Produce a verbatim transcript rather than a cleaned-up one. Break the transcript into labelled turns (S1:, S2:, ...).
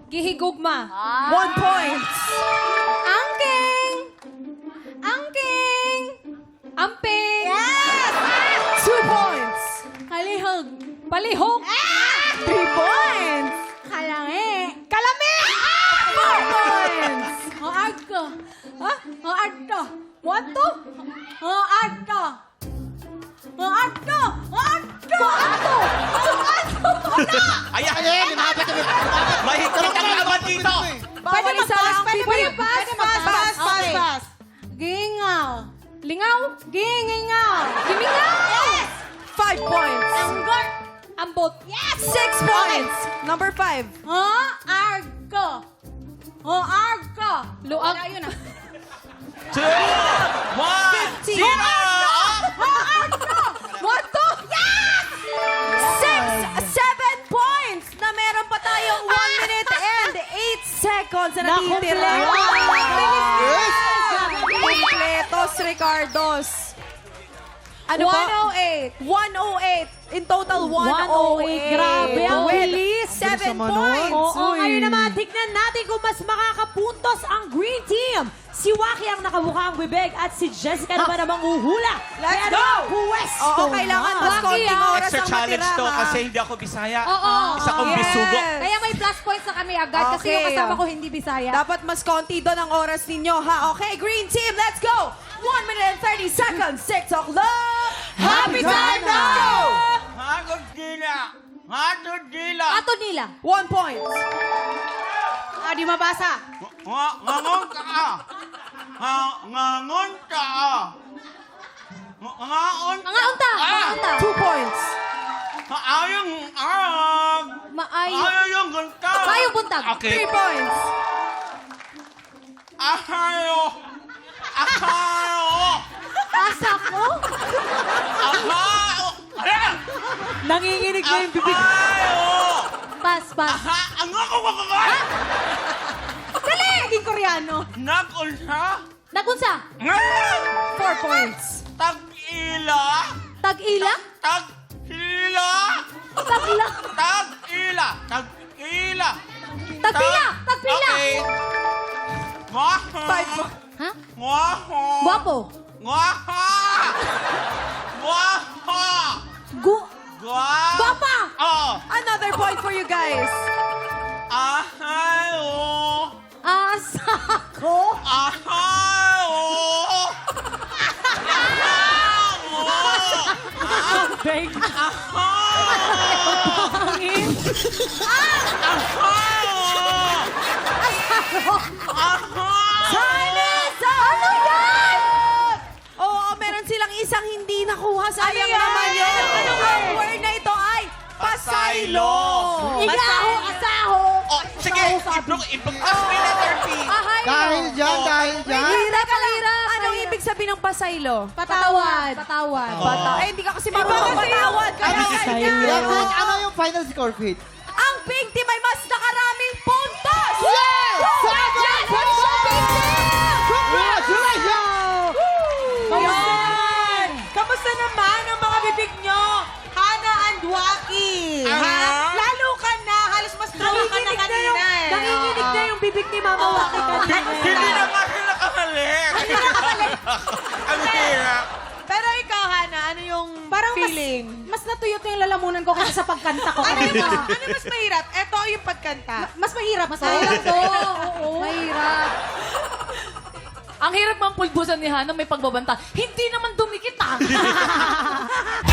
S1: Gihigugma.
S2: One point.
S1: Angking! Angking! Amping!
S2: Yes! Two points.
S1: Kalihog. Palihog.
S2: Three points.
S1: Kalangi.
S2: Kalami! Four points.
S1: Hoadto. Ha? Hoadto. What to? Hoadto. Hoadto. Hoadto. Hoadto. Hoadto.
S3: Ayan! Ayan! Lumapit kami! Mahigpit ang laban dito!
S2: Bawal isa lang.
S1: Pwede
S2: Pwede
S1: mag-pass.
S2: Pwede mag-pass. Pass, pass,
S1: Okay.
S2: pass.
S1: Gingaw. Lingaw. Gingingaw. Gimingaw. Yes!
S2: Five points.
S1: Anggot. Ambot. Yes!
S2: Six points. Number five.
S1: Ho, argo. Ho, argo. Luag. Wala yun ah.
S3: Two! One!
S2: Fifteen.
S3: Zero!
S1: Ho, argo. What to? Yes!
S2: Six, seven points na meron pa tayong one minute and eight seconds na natitira.
S3: Yes!
S2: Completos, Ricardos. Ano ba?
S1: one oh eight.
S2: one oh eight. In total, one oh eight.
S4: Grabe, ang
S2: With
S4: bilis.
S2: seven
S3: naman
S2: points.
S4: Oo,
S2: Uy.
S4: ngayon naman, tignan natin kung mas makakapuntos ang Green Team. Si Waki ang nakabuka ang bibig at si Jessica naman ang manghuhula.
S2: Let's
S4: Kaya
S2: go!
S4: naman, Pwesto
S2: Oo, kailangan
S4: na.
S2: mas
S1: Waki,
S2: konting
S1: ah.
S2: oras
S3: Extra
S2: ang
S3: challenge
S2: matira,
S3: to
S2: ha?
S3: kasi hindi ako Bisaya.
S1: Oo.
S3: Isa kong
S2: Yes.
S3: bisugo.
S1: Kaya may plus points na kami agad kasi
S2: Okay,
S1: yung kasama
S2: oh.
S1: ko hindi Bisaya.
S2: Dapat mas konti doon ang oras ninyo, ha? Okay, Green Team, let's go! one minute and thirty seconds. TikTok love. Happy time now!
S3: Hatod dila! Hatod dila!
S1: Ato nila.
S2: One point.
S1: Ah, di mabasa.
S3: Nga- Ngangon ka! Nga- Ngangon ka! Nga- Ngaon
S1: Mga unta. Mga
S3: Ah!
S1: unta.
S2: Two points.
S3: Ayong arag!
S1: Maayo.
S3: Ayong gunta!
S1: Ayong buntag.
S2: Three
S3: Okay.
S2: points.
S3: Ahayo! Ahayo!
S1: Asa ko?
S3: Ahayo! Ayan!
S4: Nanginginig na yung bibig.
S3: Ahayo!
S1: Pas, pas.
S3: Aha! Ang ako kakakay!
S1: Dali! Naging Koreano.
S3: Nagunsa!
S1: Nagunsa.
S3: Ngayon!
S2: Four points.
S3: Tag-ila!
S1: Tag-ila.
S3: Tag-ila!
S1: Tagla.
S3: Tag-ila! Tag-ila!
S1: Tagpila.
S3: Tag-
S1: Tagpila.
S3: Okay. Ngwaha!
S2: Five points.
S1: Ha?
S3: Ngwaha!
S1: Guwapo.
S3: Ngwaha! Ngwaha!
S1: Gu...
S3: Gwa-
S1: Guwapa.
S3: Oh!
S2: Another point for you guys.
S3: Ahayo!
S1: Asa ko?
S3: Ahayo! Ahayo!
S4: Bang.
S2: Time is up! Ano yan? Oo, meron silang isang hindi nakuha. Sayang
S3: Ano yan?
S2: naman yun. Ang word na ito ay pasaylo.
S1: Igaho, asaho.
S3: Oh, sige, iplog, iplog. Tapos may letter P.
S1: Ahay.
S5: Dahil dyan,
S3: Oh.
S5: dahil dyan.
S2: Hirap ka lang. Anong ibig sabihin ng pasaylo?
S1: Patawad. Patawad.
S3: Oh.
S2: Bata. Eh, hindi ka kasi marunong patawad. Kaya
S4: Ano
S2: ganyan.
S4: sa'yo?
S5: Yan, ano, ano yung final score, Fit?
S2: Ang Pink Team ay mas nakaraming puntos!
S5: Yes!
S2: Congratulations!
S5: Congratulations!
S4: Ayan! Kamusta naman ang mga bibig nyo? Hana and Waki.
S3: Ano?
S4: Lalo ka na. Halos mas trawa ka na kanina eh.
S2: Nanginginig na yung bibig ni Mama Waki kanina.
S3: Hindi na nga sila kahalik. Ang hirap.
S4: Pero ikaw, Hana, ano yung
S1: Parang
S4: feeling?
S1: mas, mas natuyot yung lalamunan ko kaysa sa pagkanta ko.
S4: ano, yung, ano yung mas mahirap? Ito yung pagkanta.
S1: Mas mahirap. Mas mahirap to. Oo. Mahirap.
S6: Ang hirap mang pulbusan ni Hana may pagbabanta. Hindi naman dumikit ah.